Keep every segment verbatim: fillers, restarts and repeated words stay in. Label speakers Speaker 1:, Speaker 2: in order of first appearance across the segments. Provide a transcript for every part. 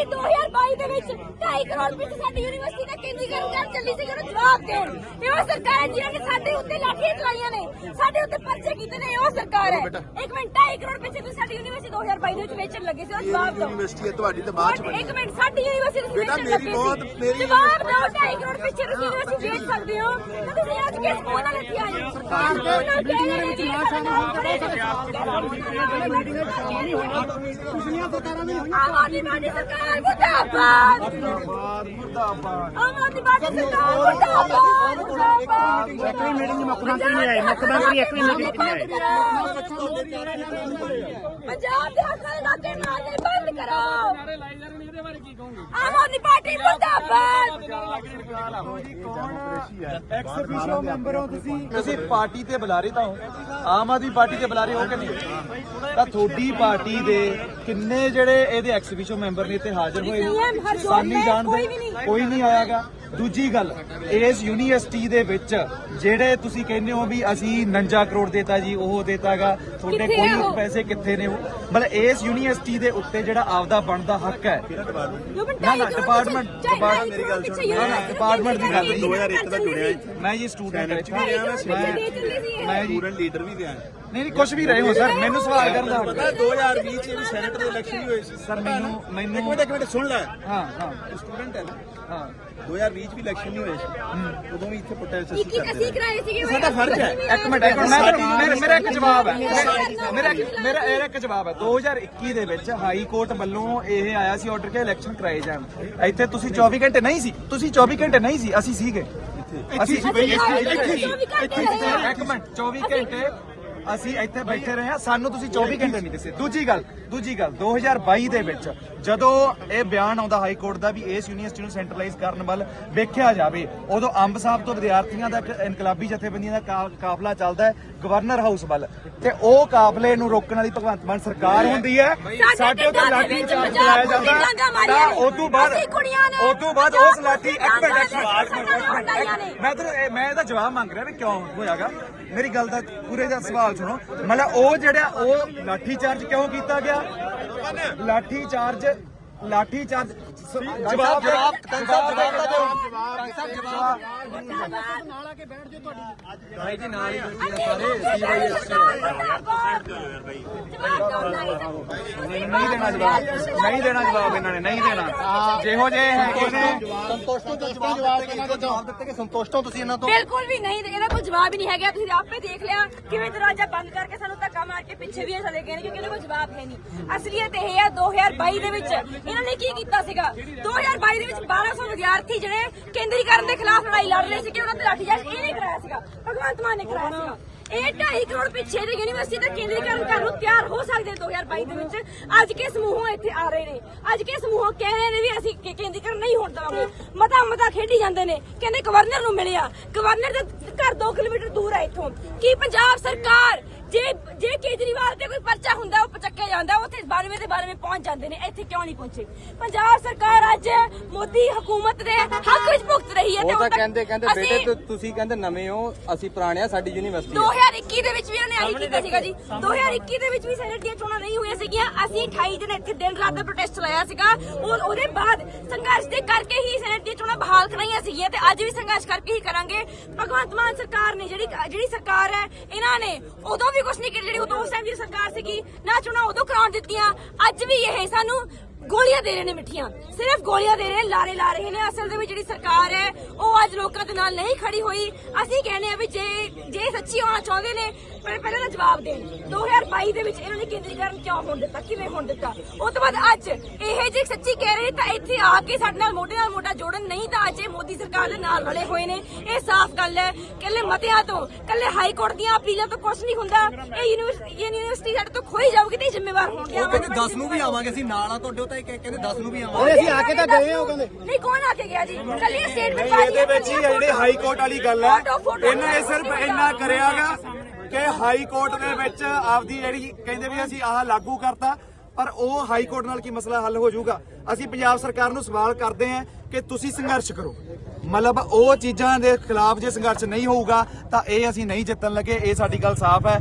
Speaker 1: ਕਿ ਦੋ ਹਜ਼ਾਰ ਬਾਈ ਦੇ ਵਿੱਚ ਢਾਈ ਕਰੋੜ ਵਿੱਚ ਸਾਡੀ ਯੂਨੀਵਰਸਿਟੀ ਦਾ ਕੇਂਦਰੀਕਰਨ ਕਰ ਚੱਲੀ ਸੀ, ਉਹਨੂੰ ਜਵਾਬ ਦੇਣ। ਇਹ ਉਹ ਸਰਕਾਰ ਹੈ ਜਿਹਨੇ ਸਾਡੇ ਉੱਤੇ ਲਾਠੀਆਂ ਚਲਾਈਆਂ ਨੇ, ਸਾਡੇ ਉੱਤੇ ਪਰਚੇ ਕੀਤੇ ਨੇ। ਉਹ ਸਰਕਾਰ ਹੈ। ਇੱਕ ਮਿੰਟ, ਢਾਈ ਕਰੋੜ ਪਿੱਛੇ ਤੁਸੀਂ ਸਾਡੀ ਯੂਨੀਵਰਸਿਟੀ ਦੋ ਹਜ਼ਾਰ ਬਾਈ ਦੇ ਵਿੱਚ ਵੇਚਣ ਲੱਗੇ ਸੀ, ਉਹ ਜਵਾਬ ਦਿਓ।
Speaker 2: ਯੂਨੀਵਰਸਿਟੀ ਹੈ ਤੁਹਾਡੀ ਤੇ ਬਾਅਦ ਚ ਬਣੀ।
Speaker 1: ਇੱਕ ਮਿੰਟ, ਸਾਡੀ ਯੂਨੀਵਰਸਿਟੀ ਤੁਸੀਂ ਵੇਚਣ ਲੱਗੇ ਸੀ, ਜਵਾਬ ਦਿਓ। ਢਾਈ ਕਰੋੜ ਪਿੱਛੇ ਤੁਸੀਂ ਯੂਨੀਵਰਸਿਟੀ ਵੇਚ ਸਕਦੇ ਹੋ ਤੇ ਤੁਸੀਂ ਅੱਜ ਕਿਸ ਮੂੰਹ ਨਾਲ ਇੱਥੇ ਆਏ ਹੋ? ਸਰਕਾਰ ਦੇ ਵਿੱਚ ਨਾ ਸ਼ਾਮਲ ਹੋਣ ਤੇ ਪਿਛਲੀਆਂ ਸਰਕਾਰਾਂ ਨੇ ਆਮ ਆਦਮੀ ਪਾਰਟੀ ਸਰਕਾਰ ਮੁਰਦਾਬਾਦ, ਮੁਰਦਾਬਾਦ, ਮੁਰਦਾਬਾਦ। ਆਮ ਆਦਮੀ ਪਾਰਟੀ ਸਰਕਾਰ ਮੁਰਦਾਬਾਦ, ਮੁਰਦਾਬਾਦ।
Speaker 3: ਇੱਕ ਵੀ ਮੀਟਿੰਗ ਮੁੱਖ ਮੰਤਰੀ ਨਹੀਂ ਆਏ, ਮੁੱਖ ਮੰਤਰੀ ਇੱਕ ਵੀ ਮੀਟਿੰਗ ਨਹੀਂ ਆਏ।
Speaker 1: ਪੰਜਾਬ ਦੇ ਹੱਕਾਂ ਦੇ ਨਾਤੇ ਮਾਰਨੇ ਬੰਦ ਕਰੋ। ਆਮ ਆਦਮੀ ਪਾਰਟੀ ਮੁਰਦਾਬਾਦ।
Speaker 2: ਐਕਸ ਅਫੀਸ਼ੀਓ ਮੈਂਬਰ ਹੋ ਤੁਸੀਂ, ਤੁਸੀਂ ਪਾਰਟੀ ਤੇ ਬੁਲਾਰੇ ਤਾਂ ਹੋ, ਆਮ ਆਦਮੀ ਪਾਰਟੀ ਤੇ ਬੁਲਾਰੇ ਹੋ ਕਿ ਨਹੀਂ? ਤਾਂ ਤੁਹਾਡੀ ਪਾਰਟੀ ਦੇ ਕਿੰਨੇ ਜਿਹੜੇ ਇਹਦੇ ਐਕਸ ਅਫੀਸ਼ੀਓ ਮੈਂਬਰ ਨੇ ਇੱਥੇ ਹਾਜ਼ਰ ਹੋਏ ਨੇ? ਸਾਨੀ ਜਾਣਦੇ ਕੋਈ ਨਹੀਂ ਆਇਆਗਾ। ਦੂਜੀ ਗੱਲ, ਇਸ ਯੂਨੀਵਰਸਿਟੀ ਦੇ ਵਿੱਚ ਜਿਹੜੇ ਤੁਸੀਂ ਕਹਿੰਦੇ ਹੋ ਵੀ ਅਸੀਂ ਉਨੰਜਾ ਕਰੋੜ ਦੇਤਾ ਜੀ, ਉਹ ਦੇਤਾਗਾ, ਤੁਹਾਡੇ ਕੋਈ ਪੈਸੇ ਕਿੱਥੇ ਨੇ? ਮਤਲਬ ਇਸ ਯੂਨੀਵਰਸਿਟੀ ਦੇ ਉੱਤੇ ਜਿਹੜਾ ਆਪਦਾ ਬਣਦਾ ਹੱਕ ਹੈ ਨਾ ਨਾ ਡਿਪਾਰਟਮੈਂਟ ਡਿਪਾਰਟਮੈਂਟ ਮੇਰੀ ਗੱਲ ਸੁਣੋ ਨਾ ਡਿਪਾਰਟਮੈਂਟ ਦੀ ਗੱਲ
Speaker 4: ਦੋ ਹਜ਼ਾਰ ਇੱਕ ਦਾ ਜੁੜਿਆ
Speaker 2: ਮੈਂ ਜੀ ਸਟੂਡੈਂਟ
Speaker 4: ਮੈਂ
Speaker 2: ਮੈਂ
Speaker 4: ਸਟੂਡੈਂਟ ਲੀਡਰ ਵੀ ਰਿਹਾ।
Speaker 2: ਨਹੀਂ ਨਹੀਂ ਕੁਝ ਵੀ ਰਹੇ ਹੋ ਸਰ, ਮੈਨੂੰ ਸਵਾਲ ਕਰਨ ਦਾ
Speaker 4: ਪਤਾ ਦੋ ਹਜ਼ਾਰ ਵੀਹ ਚ ਵੀ ਸੈਨੇਟ ਦੇ ਇਲੈਕਸ਼ਨ ਵੀ ਹੋਏ ਸੀ
Speaker 2: ਸਰ। ਮੈਨੂੰ ਮੈਨੂੰ
Speaker 4: ਇੱਕ ਮਿੰਟ ਇੱਕ ਮਿੰਟ ਸੁਣ ਲੈ।
Speaker 2: ਹਾਂ ਹਾਂ
Speaker 4: ਸਟੂਡੈਂਟ ਹੈ ਨਾ।
Speaker 2: ਹਾਂ
Speaker 4: ਦੋ ਹਜ਼ਾਰ ਵੀਹ ਚ ਵੀ ਇਲੈਕਸ਼ਨ ਨਹੀਂ ਹੋਏ ਸੀ, ਉਦੋਂ ਵੀ ਇੱਥੇ ਪ੍ਰੋਟੈਸਟ
Speaker 1: ਇੱਕ ਇੱਕ ਅਸੀਂ ਕਰਾਏ ਸੀਗੇ।
Speaker 4: ਸਾਡਾ ਫਰਜ਼ ਹੈ।
Speaker 2: ਇੱਕ ਮਿੰਟ ਇੱਕ ਮਿੰਟ ਮੇਰਾ ਮੇਰਾ ਇੱਕ ਜਵਾਬ ਹੈ ਮੇਰਾ ਮੇਰਾ ਇਹ ਇੱਕ ਜਵਾਬ ਹੈ। ਦੋ ਹਜ਼ਾਰ ਇੱਕੀ ਦੇ ਵਿੱਚ ਹਾਈ ਕੋਰਟ ਵੱਲੋਂ ਇਹ ਆਇਆ ਸੀ ਆਰਡਰ ਕਿ ਇਲੈਕਸ਼ਨ ਕਰਾਏ ਜਾਣ। ਇੱਥੇ ਤੁਸੀਂ ਚੌਵੀ ਘੰਟੇ ਨਹੀਂ ਸੀ, ਤੁਸੀਂ ਚੌਵੀ ਘੰਟੇ ਨਹੀਂ ਸੀ, ਅਸੀਂ ਸੀਗੇ। ਅਸੀਂ ਇੱਕ ਮਿੰਟ ਚੌਵੀ ਘੰਟੇ ਅਸੀਂ ਇੱਥੇ ਬੈਠੇ ਰਹੇ ਹਾਂ, ਸਾਨੂੰ ਤੁਸੀਂ ਚੌਵੀ ਘੰਟੇ ਨਹੀਂ ਦਿੱਤੇ। ਦੂਜੀ ਗੱਲ ਦੂਜੀ ਗੱਲ ਦੋ ਹਜ਼ਾਰ ਬਾਈ ਦੇ ਵਿੱਚ ਜਦੋਂ ਇਹ ਬਿਆਨ ਆਉਂਦਾ ਹਾਈ ਕੋਰਟ ਦਾ ਵੀ ਇਸ ਯੂਨੀਵਰਸਿਟੀ ਨੂੰ ਸੈਂਟਰਲਾਈਜ਼ ਕਰਨ ਵੱਲ ਵੇਖਿਆ ਜਾਵੇ, ਉਦੋਂ ਅੰਬ ਸਾਹਿਬ ਤੋਂ ਵਿਦਿਆਰਥੀਆਂ ਦਾ ਇੱਕ ਇਨਕਲਾਬੀ ਜਥੇਬੰਦੀਆਂ ਦਾ ਕਾਫਲਾ ਚੱਲਦਾ ਹੈ ਗਵਰਨਰ ਹਾਊਸ ਵੱਲ, ਤੇ ਉਹ ਕਾਫਲੇ ਨੂੰ ਰੋਕਣ ਵਾਲੀ ਭਗਵੰਤ ਮਾਨ ਸਰਕਾਰ ਹੁੰਦੀ ਹੈ। ਸਾਡੇ ਉੱਤੇ ਲਾਠੀ ਚਾਰਜ ਚਲਾਇਆ ਜਾਂਦਾ ਤਾਂ ਉਸ ਤੋਂ ਬਾਅਦ ਉਸ ਤੋਂ ਬਾਅਦ ਉਸ ਲਾਠੀ ਇੱਕ ਮਿੰਟ ਮੈਂ ਤਾਂ ਮੈਂ ਇਹਦਾ ਜਵਾਬ ਮੰਗ ਰਿਹਾ ਵੀ ਕਿਉਂ ਹੋਇਆਗਾ। ਮੇਰੀ ਗੱਲ ਦਾ ਪੂਰੇ ਦਾ ਸਵਾਲ ਸੁਣੋ। ਮਤਲਬ ਉਹ ਜਿਹੜਾ ਉਹ ਲਾਠੀ ਚਾਰਜ ਕਿਉਂ ਕੀਤਾ ਗਿਆ? ਲਾਠੀ ਚਾਰਜ ਲਾਠੀ ਚਾਰਜ ਜਵਾਬ ਜਵਾਬ ਜਵਾਬ ਦਾ ਦਿਓ।
Speaker 3: ਨਾਲ ਆ ਕੇ ਬੈਠ ਜਾਓ ਤੁਹਾਡੀ
Speaker 2: ਭਾਈ ਜੀ ਨਾਲ ਹੀ ਸਾਰੇ ਨਹੀਂ ਦੇਣਾ ਜਵਾਬ, ਨਹੀਂ ਦੇਣਾ ਜਵਾਬ ਇਹਨਾਂ ਨੇ, ਨਹੀਂ ਦੇਣਾ। ਜਿਹੋ ਜੇ ਹੈਗੇ ਨੇ
Speaker 3: ਸੰਤੋਸ਼ ਤੋਂ ਜਵਾਬ ਜਵਾਬ ਦਿੱਤੇ ਕਿ ਸੰਤੋਸ਼ ਤੋਂ ਤੁਸੀਂ ਇਹਨਾਂ ਤੋਂ
Speaker 1: ਬਿਲਕੁਲ ਵੀ ਨਹੀਂ, ਇਹਦਾ ਕੋਈ ਜਵਾਬ ਹੀ ਨਹੀਂ ਹੈਗਾ। ਤੁਸੀਂ ਆਪੇ ਦੇਖ ਲਿਆ ਕਿਵੇਂ ਦਰਵਾਜ਼ਾ ਬੰਦ ਕਰਕੇ ਸਾਨੂੰ ਧੱਕਾ ਮਾਰ ਕੇ ਪਿੱਛੇ ਵੀ ਚਲੇ ਗਏ ਨੇ, ਕਿਉਂਕਿ ਇਹਨਾਂ ਕੋਲ ਜਵਾਬ ਹੈ ਨਹੀਂ। ਅਸਲੀਅਤ ਇਹ ਹੈ ਦੋ ਹਜ਼ਾਰ ਬਾਈ ਦੇ ਵਿੱਚ ਇਹਨਾਂ ਨੇ ਕੀ ਕੀਤਾ ਸੀਗਾ। ਦੋ ਹਜ਼ਾਰ ਬਾਈ ਦੇ ਵਿੱਚ ਬਾਰਾਂ ਸੌ ਵਿਦਿਆਰਥੀ ਜਿਹੜੇ ਕੇਂਦਰੀਕਰਨ ਦੇ ਖਿਲਾਫ ਲੜਾਈ ਲੜ ਰਹੇ ਸੀ ਕਿ ਉਹਨਾਂ ਤੇ ਲਾਠੀਚਾਰਜ ਇਹਨੇ ਕਰਾਇਆ ਸੀਗਾ, ਭਗਵੰਤ ਮਾਨ ਨੇ ਕਰਾਇਆ ਸੀਗਾ। ਇਹ ਢਾਈ ਕਰੋੜ ਪਿੱਛੇ ਦੇ ਯੂਨੀਵਰਸਿਟੀ ਦਾ ਕੇਂਦਰੀਕਰਨ ਕਰਨ ਨੂੰ ਤਿਆਰ ਹੋ ਸਕਦੇ ਦੋ ਹਜ਼ਾਰ ਬਾਈ ਦੇ ਵਿੱਚ। ਅੱਜ ਕੇ ਸਮੂਹ ਇੱਥੇ ਆ ਰਹੇ ਨੇ, ਅੱਜ ਕੇ ਸਮੂਹ ਕਹਿ ਰਹੇ ਨੇ ਵੀ ਅਸੀਂ ਕੇਂਦਰੀਕਰਨ ਨਹੀਂ ਹੋਣ ਦੇਵਾਂਗੇ। ਮਤਾ ਮਤਾ ਖੇਡੀ ਜਾਂਦੇ ਨੇ, ਕਹਿੰਦੇ ਗਵਰਨਰ ਨੂੰ ਮਿਲਿਆ, ਗਵਰਨਰ ਦਾ ਘਰ ਦੋ ਕਿਲੋਮੀਟਰ ਦੂਰ ਹੈ ਇੱਥੋਂ। ਕੀ ਪੰਜਾਬ ਸਰਕਾਰ ਜੇ ਜੇ ਕੇਜਰੀਵਾਲ ਤੇ ਕੋਈ ਪਰਚਾ ਹੁੰਦਾ ਉਹ ਪਚੱਕਿਆ ਜਾਂਦਾ, ਉੱਥੇ ਬਾਰਵੇਂ ਦੇ ਬਾਰਵੇਂ ਪਹੁੰਚ ਜਾਂਦੇ ਨੇ, ਇੱਥੇ ਕਿਉਂ ਨਹੀਂ ਪਹੁੰਚੇ? ਪੰਜਾਬ ਸਰਕਾਰ ਅੱਜ ਮੋਦੀ ਹਕੂਮਤ ਦੇ ਹੱਕ ਵਿੱਚ ਭੁਗਤ ਰਹੀ ਹੈ।
Speaker 5: ਉਹ ਤਾਂ ਕਹਿੰਦੇ ਕਹਿੰਦੇ ਬੇਟੇ ਤੁਸੀਂ ਕਹਿੰਦੇ ਨਵੇਂ ਹੋ, ਅਸੀਂ ਪੁਰਾਣੇ ਆ, ਸਾਡੀ ਯੂਨੀਵਰਸਿਟੀ
Speaker 1: ਦੋ ਹਜ਼ਾਰ ਇੱਕੀ ਦੇ ਵਿੱਚ ਵੀ ਉਹਨੇ ਆਹੀ ਕੀਤਾ ਸੀਗਾ ਜੀ। ਦੋ ਹਜ਼ਾਰ ਇੱਕੀ ਦੇ ਵਿੱਚ ਵੀ ਸੈਨੇਟ ਦੀਆਂ ਚੋਣਾਂ ਨਹੀਂ ਹੋਈਆਂ ਸੀਗੀਆਂ। ਅਸੀਂ ਅਠਾਈ ਦਿਨ ਇੱਥੇ ਦਿਨ ਰਾਤ ਦਾ ਪ੍ਰੋਟੈਸਟ ਚਲਾਇਆ ਸੀਗਾ। ਉਹਦੇ ਬਾਅਦ ਸੰਘਰਸ਼ ਦੇ ਕਰਕੇ ਹੀ ਸੈਨੇਟ ਦੀਆਂ ਚੋਣਾਂ ਬਹਾਲ ਕਰਾਈਆਂ ਸੀਗੀਆਂ ਤੇ ਅੱਜ ਵੀ ਸੰਘਰਸ਼ ਕਰਕੇ ਹੀ ਕਰਾਂਗੇ। ਭਗਵੰਤ ਮਾਨ ਸਰਕਾਰ ਨੇ ਜਿਹੜੀ ਜਿਹੜੀ ਸਰਕਾਰ ਹੈ, ਇਹਨਾਂ ਨੇ ਉਦੋਂ ਵੀ ਕੁਛ ਨਹੀਂ ਕੀਤਾ। ਜਿਹੜੀ ਉਦੋਂ ਉਸ ਟਾਈਮ ਦੀ ਸਰਕਾਰ ਸੀਗੀ ਨਾ ਚੋਣਾਂ ਉਦੋਂ ਕਰਾਉਣ ਦਿੱਤੀਆਂ, ਅੱਜ ਵੀ ਇਹ ਸਾਨੂੰ ਗੋਲੀਆਂ ਦੇ ਰਹੇ ਨੇ ਮਿੱਠੀਆਂ, ਸਿਰਫ ਗੋਲੀਆਂ ਦੇ ਰਹੇ, ਲਾਰੇ ਲਾ ਰਹੇ ਨੇ। ਅਸਲ ਦੇ ਵਿੱਚ ਜਿਹੜੀ ਸਰਕਾਰ ਹੈ ਉਹ ਅੱਜ ਲੋਕਾਂ ਦੇ ਨਾਲ ਨਹੀਂ ਖੜੀ ਹੋਈ। ਅਸੀਂ ਕਹਿੰਦੇ ਆ ਵੀ ਜੇ ਜੇ ਸੱਚੀ ਹੋਣਾ ਚਾਹੁੰਦੇ ਨੇ ਪਹਿਲਾਂ ਤਾਂ ਜਵਾਬ ਦੇਣ। ਦੋ ਹਜ਼ਾਰ ਬਾਈ ਦੇ ਵਿੱਚ ਇਹਨਾਂ ਨੇ ਕੇਂਦਰੀਕਰਨ ਕਿਉਂ ਹੋਣ ਦਿੱਤਾ, ਕਿਵੇਂ ਹੋਣ ਦਿੱਤਾ? ਉਸ ਤੋਂ ਬਾਅਦ ਅੱਜ ਇਹ ਜੇ ਸੱਚੀ ਕਹਿ ਰਹੇ ਤਾਂ ਇੱਥੇ ਆ ਕੇ ਸਾਡੇ ਨਾਲ ਮੋਢੇ ਨਾਲ ਮੋਢਾ ਜੋੜਨ, ਨਹੀਂ ਤਾਂ ਅੱਜ ਇਹ ਮੋਦੀ ਸਰਕਾਰ ਦੇ ਨਾਲ ਰਲੇ ਹੋਏ ਨੇ। ਇਹ ਸਾਫ਼ ਗੱਲ ਹੈ। ਕੱਲੇ ਮਤਿਆਂ ਤੋਂ, ਕੱਲੇ ਹਾਈ ਕੋਰਟ ਦੀਆਂ ਅਪੀਲਾਂ ਤੋਂ ਕੁਝ ਨਹੀਂ ਹੁੰਦਾ। ਇਹ ਯੂਨੀਵਰਸਿਟੀ ਯੂਨੀਵਰਸਿਟੀ ਸਾਡੇ ਤੋਂ ਖੋਈ ਜਾਊਗੀ ਤੇ ਜ਼ਿੰਮੇਵਾਰ ਹੋਣਗੇ।
Speaker 5: ਕਹਿੰਦੇ ਦਸ ਨੂੰ ਵੀ ਆਵਾਂਗੇ, ਅਸੀਂ ਨਾਲ ਆ ਤੁਹਾਡੇ। ਤਾਂ ਕਹਿੰਦੇ ਦਸ ਨੂੰ ਵੀ ਆਵਾਂਗੇ।
Speaker 3: ਅਸੀਂ ਆ ਕੇ ਤਾਂ ਗਏ ਹੋ ਕਹਿੰਦੇ।
Speaker 1: ਨਹੀਂ, ਕੌਣ ਆ ਕੇ ਗਿਆ ਜੀ? ਕੱਲੀ ਸਟੇਟਮੈਂਟ
Speaker 2: ਇਹਦੇ ਵਿੱਚ ਹੀ ਜਿਹੜੇ ਹਾਈ ਕੋਰਟ ਵਾਲੀ ਗੱਲ ਹੈ, ਇਹਨਾਂ ਨੇ ਸਿਰਫ ਇੰਨਾ ਕਰਿਆਗਾ ਕਿ ਹਾਈ ਕੋਰਟ ਦੇ ਵਿੱਚ ਆਪਦੀ ਜਿਹੜੀ ਕਹਿੰਦੇ ਵੀ ਅਸੀਂ ਆਹ ਲਾਗੂ ਕਰਤਾ, ਪਰ ਉਹ ਹਾਈ ਕੋਰਟ ਨਾਲ ਕੀ ਮਸਲਾ ਹੱਲ ਹੋ ਜਾਊਗਾ? ਅਸੀਂ ਪੰਜਾਬ ਸਰਕਾਰ ਨੂੰ ਸਵਾਲ ਕਰਦੇ ਹਾਂ ਕਿ ਤੁਸੀਂ ਸੰਘਰਸ਼ ਕਰੋ। ਮਤਲਬ ਉਹ ਚੀਜ਼ਾਂ ਦੇ ਖਿਲਾਫ ਜੇ ਸੰਘਰਸ਼ ਨਹੀਂ ਹੋਊਗਾ ਤਾਂ ਇਹ ਅਸੀਂ ਨਹੀਂ ਜਿੱਤਣ ਲੱਗੇ। ਇਹ ਸਾਡੀ ਗੱਲ ਸਾਫ਼ ਹੈ।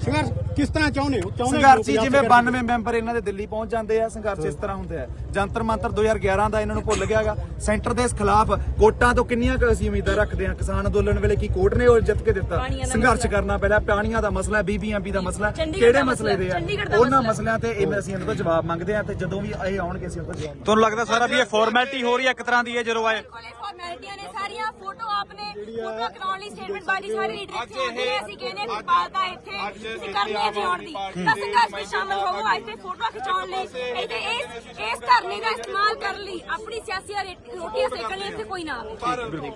Speaker 3: ਕਿਸ ਤਰ੍ਹਾਂ ਚਾਹੁੰਦੇ ਹੋ ਚਾਹੁੰਦੇ
Speaker 2: ਸੰਘਰਸ਼ੀ ਜਿਵੇਂ ਬਾਨਵੇਂ ਮੈਂਬਰ ਇਹਨਾਂ ਦੇ ਦਿੱਲੀ ਪਹੁੰਚ ਜਾਂਦੇ ਆ, ਸੰਘਰਸ਼ ਇਸ ਤਰ੍ਹਾਂ ਹੁੰਦੇ ਆ। ਜੰਤਰ ਮੰਤਰ ਦੋ ਹਜ਼ਾਰ ਗਿਆਰਾਂ ਦਾ ਇਹਨਾਂ ਨੂੰ ਭੁੱਲ ਗਿਆਗਾ। ਸੈਂਟਰ ਦੇ ਖਿਲਾਫ ਕੋਟਾਂ ਤੋਂ ਕਿੰਨੀਆਂ ਕੁ ਅਸੀਂ ਉਮੀਦਾਂ ਰੱਖਦੇ ਆ। ਕਿਸਾਨ ਅੰਦੋਲਨ ਵੇਲੇ ਕੀ ਕੋਰਟ ਨੇ ਉਹ ਜਿੱਤ ਕੇ ਦਿੱਤਾ। ਸੰਘਰਸ਼ ਕਰਨਾ ਪੈਣਾ। ਪਾਣੀਆਂ ਦਾ ਮਸਲਾ, ਬੀਬੀਐਮਪੀ ਦਾ ਮਸਲਾ, ਕਿਹੜੇ ਮਸਲੇ ਦੇ ਆ ਉਹਨਾਂ ਮਸਲਿਆਂ ਤੇ ਇਹ ਅਸੀਂ ਇਹਨਾਂ ਤੋਂ ਜਵਾਬ ਮੰਗਦੇ ਆ ਤੇ ਜਦੋਂ ਵੀ ਇਹ ਆਉਣਗੇ ਅਸੀਂ ਉਹਨਾਂ ਤੋਂ ਜਵਾਬ।
Speaker 6: ਤੁਹਾਨੂੰ ਲੱਗਦਾ ਸਾਰਾ ਵੀ ਇਹ ਫਾਰਮੈਲਿਟੀ ਹੋ ਰਹੀ ਹੈ ਇੱਕ ਤਰ੍ਹਾਂ ਦੀ ਹੈ ਜਦੋਂ ਆਏ
Speaker 1: ਕੋਲੇ ਫਾਰਮੈਲਿਟੀਆਂ ਨੇ ਸਾਰੀਆਂ। ਫੋਟੋ ਆਪਨੇ ਫੋਟੋ ਕਰਾਉਣ ਲਈ ਸਟੇਟਮੈਂਟ ਬਾਜੀ ਸਾਰੇ ਲੀਡਰ ਇੱਥੇ ਆਉਂਦੇ ਨੇ। ਅਸੀਂ ਕਹਿੰਦੇ ਹਾਂ ਪਾਲਤਾ ਇੱਥੇ ਤੁਸੀਂ ਕਰਨੀ ਹੈ ਜਿਉਣ ਦੀ ਤਾਂ ਸੰਘਰਸ਼ ਵਿੱਚ ਸ਼ਾਮਲ ਹੋਵੋ। ਇੱਥੇ ਫੋਟੋ ਖਿਚਾਉਣ ਲਈ ਇੱਥੇ ਇਸ ਇਸ ਧਰਨੇ ਦਾ ਇਸਤੇਮਾਲ ਕਰਨ ਲਈ ਆਪਣੀ ਸਿਆਸੀ ਰੋਟੀਆਂ ਸੇਕਣ ਲਈ ਇੱਥੇ ਕੋਈ ਨਾ ਆਵੇ।